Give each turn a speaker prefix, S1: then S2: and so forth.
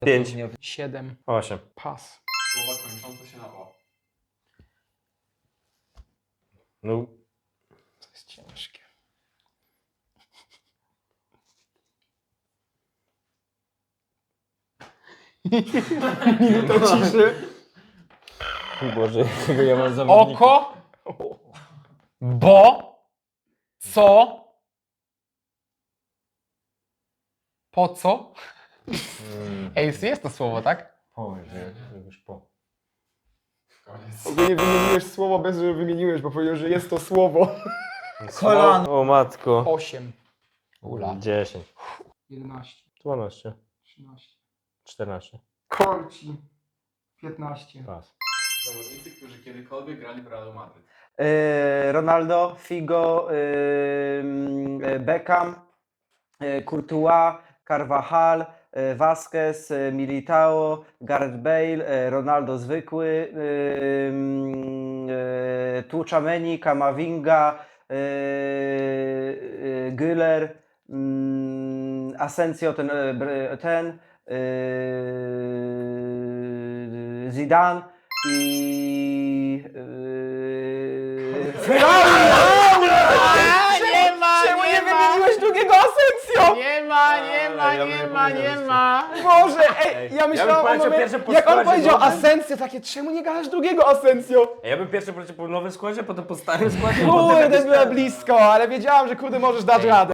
S1: 5.
S2: 7.
S1: 8.
S2: Pas.
S3: Słowa kończące się na o.
S1: No.
S2: To jest ciężkie. Minuta ciszy.
S1: Boże, jakiego ja mam zawodnika.
S2: Oko. Bo. Co. Po co? Ej, jest to słowo, tak?
S1: Boże, już po.
S3: Koniec.
S2: Ogólnie wymieniłeś słowo bez, że wymieniłeś, bo powiedział, że jest to słowo.
S1: Kolano. O matko.
S2: 8. Ula.
S1: 10.
S2: 11.
S1: 12.
S2: 13.
S1: 14.
S2: Korci. 15.
S1: Pas.
S3: Zawodnicy, którzy kiedykolwiek grali w Realu Madryt.
S4: Ronaldo, Figo, Beckham, Courtois, Carvajal, Vasquez, Militao, Gareth Bale, Ronaldo zwykły, Tchouaméni, Camavinga, Güler, Asensio, ten Zidane i
S2: Nie ma,
S4: Czemu nie wymieniłeś drugiego Asensio?
S2: Nie ma, nie ma,
S1: Ja bym
S2: nie
S1: nie
S2: ma,
S1: powiedział,
S2: nie
S1: że-
S2: ma.
S4: Boże, ej, ja myślałem o
S1: powiedział
S4: momencie,
S1: pierwsze po
S4: jak on
S1: składzie,
S4: powiedział
S1: bo-
S4: Asensio, takie, czemu nie gadasz drugiego Asensio?
S1: Ja bym pierwszy poleciał po nowym składzie, potem po starym składzie.
S4: Kurde, byłem blisko, ale wiedziałam, że kurde możesz dać radę.